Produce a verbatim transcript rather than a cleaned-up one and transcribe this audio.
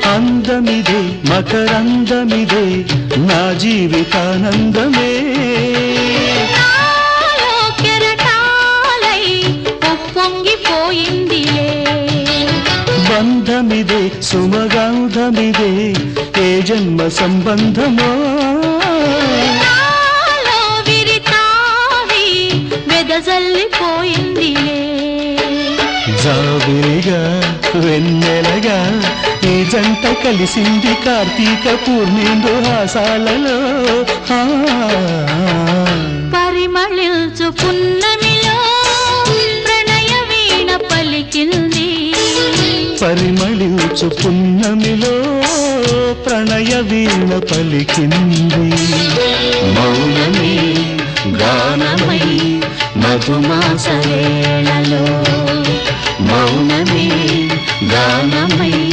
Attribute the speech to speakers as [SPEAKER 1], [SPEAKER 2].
[SPEAKER 1] అందమిదే మకరందమిదే నా జీవితానందమే
[SPEAKER 2] నాలో కెరటాలై ఉప్పొంగిపోయిందిలే
[SPEAKER 1] బంధమిదే సుమగంధమిదే ఏ జన్మ సంబంధమో
[SPEAKER 2] నాలో విరితావి వెదజల్లిపోయిందిలే
[SPEAKER 1] జాబిలిగా వెన్నెలగా ఈ జంట కలిసింది కార్తీక పూర్ణిందు హాసాలలో
[SPEAKER 2] పరిమళించు పున్నమిలో ప్రణయ వీణ పలికింది
[SPEAKER 1] పరిమళించు పున్నమిలో ప్రణయ వీణ పలికింది మౌనమే గానమై మధుమాస వేళలో మౌనమే గానమై